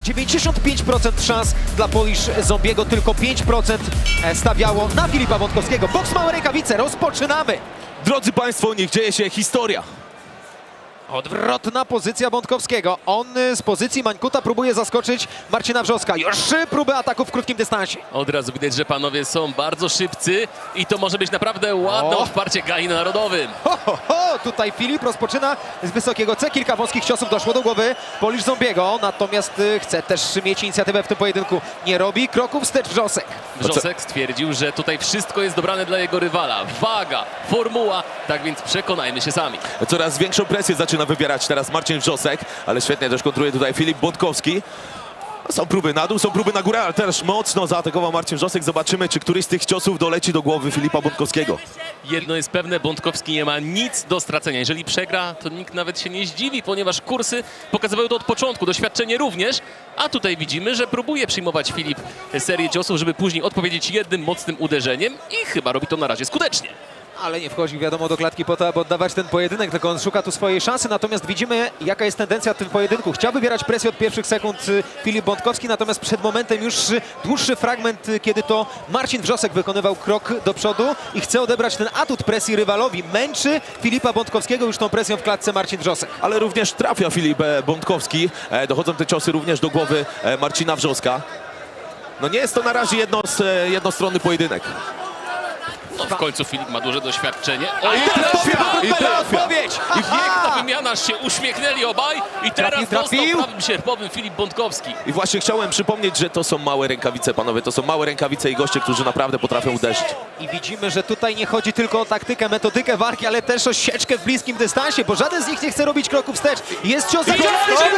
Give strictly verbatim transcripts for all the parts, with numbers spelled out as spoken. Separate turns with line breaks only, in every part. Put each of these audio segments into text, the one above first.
dziewięćdziesiąt pięć procent szans dla Polish Zombiego, tylko pięć procent stawiało na Filipa Bątkowskiego. Boks małe rękawice, rozpoczynamy!
Drodzy Państwo, niech dzieje się historia.
Odwrotna pozycja Bątkowskiego. On z pozycji Mańkuta próbuje zaskoczyć Marcina Wrzoska. Już trzy próby ataku w krótkim dystansie.
Od razu widać, że panowie są bardzo szybcy i to może być naprawdę ładne
O.
odparcie gali na narodowym.
Ho, ho, ho! Tutaj Filip rozpoczyna z wysokiego C. Kilka wąskich ciosów doszło do głowy Polish Zombiego. Natomiast y, chce też mieć inicjatywę w tym pojedynku. Nie robi kroku wstecz Wrzosek.
Wrzosek stwierdził, że tutaj wszystko jest dobrane dla jego rywala. Waga, formuła, tak więc przekonajmy się sami.
Coraz większą presję zaczyna wywierać teraz Marcin Wrzosek, ale świetnie też kontruje tutaj Filip Bątkowski. Są próby na dół, są próby na górę, ale też mocno zaatakował Marcin Wrzosek. Zobaczymy, czy któryś z tych ciosów doleci do głowy Filipa Bątkowskiego.
Jedno jest pewne, Bątkowski nie ma nic do stracenia. Jeżeli przegra, to nikt nawet się nie zdziwi, ponieważ kursy pokazywały to od początku, doświadczenie również. A tutaj widzimy, że próbuje przyjmować Filip serię ciosów, żeby później odpowiedzieć jednym mocnym uderzeniem i chyba robi to na razie skutecznie.
Ale nie wchodzi, wiadomo, do klatki po to, aby oddawać ten pojedynek, tylko on szuka tu swojej szansy. Natomiast widzimy, jaka jest tendencja w tym pojedynku. Chciał wywierać presję od pierwszych sekund y, Filip Bątkowski, natomiast przed momentem już y, dłuższy fragment, y, kiedy to Marcin Wrzosek wykonywał krok do przodu i chce odebrać ten atut presji rywalowi. Męczy Filipa Bątkowskiego już tą presją w klatce Marcin Wrzosek.
Ale również trafia Filip e, Bątkowski. E, dochodzą te ciosy również do głowy e, Marcina Wrzoska. No nie jest to na razie jedno, e, jednostronny pojedynek.
No, w końcu Filip ma duże doświadczenie.
O, i trafia! I trafia!
Odpowiedź!
I piękna wymiana, się uśmiechnęli obaj i teraz
Trafił,
dostał
trafił.
prawym sierpowym Filip Bątkowski.
I właśnie chciałem przypomnieć, że to są małe rękawice, panowie. To są małe rękawice i goście, którzy naprawdę potrafią uderzyć.
I widzimy, że tutaj nie chodzi tylko o taktykę, metodykę walki, ale też o sieczkę w bliskim dystansie, bo żaden z nich nie chce robić kroku wstecz. Jest cios za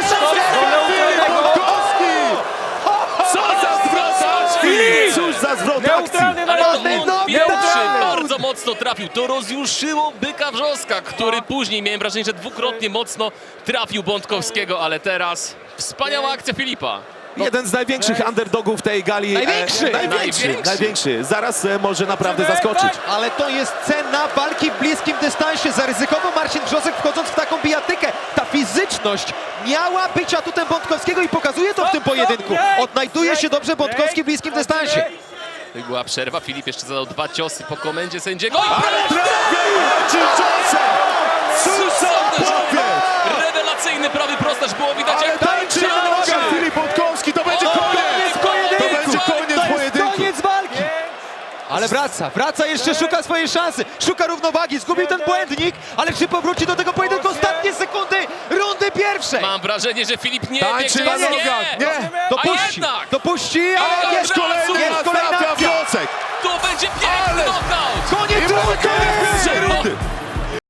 Co za zwrotacz!
Cóż za zwrot akcji!
Ale to
no,
on pierwszy
no.
bardzo mocno trafił. To rozjuszyło byka Wrzoska, który później, miałem wrażenie, że dwukrotnie mocno trafił Bątkowskiego, ale teraz wspaniała akcja Filipa.
Jeden z największych underdogów tej gali.
Największy!
E, największy,
Największy.
największy. Zaraz e, może naprawdę zaskoczyć.
Ale to jest cena walki w bliskim dystansie. Zaryzykował Marcin Wrzosek, wchodząc w taką bijatykę. Ta fizyczność miała być atutem Bątkowskiego i pokazuje to w tym pojedynku. Odnajduje się dobrze Bątkowski w bliskim dystansie.
To była przerwa. Filip jeszcze zadał dwa ciosy po komendzie sędziego.
Ale trafił Marcin Wrzosek! Cóż za powiedz!
Rewelacyjny prawy prostacz, było widać
Ale
jak
tańczy na nogach Filip Bątkowski! To będzie
O,
koniec!
pojedynku!
To będzie koniec
To jest
pojedynku!
koniec walki! Ale wraca, wraca jeszcze, szuka swojej szansy, szuka równowagi, zgubił ten błędnik, ale czy powróci do tego pojedynku? Ostatnie sekundy rundy pierwszej!
Mam wrażenie, że Filip nie wie,
Tańczy
gdzie
na
jest.
nogach!
Nie!
Nie!
Dopuści,
A jednak!
dopuści, ale
Ale
jest
wraca!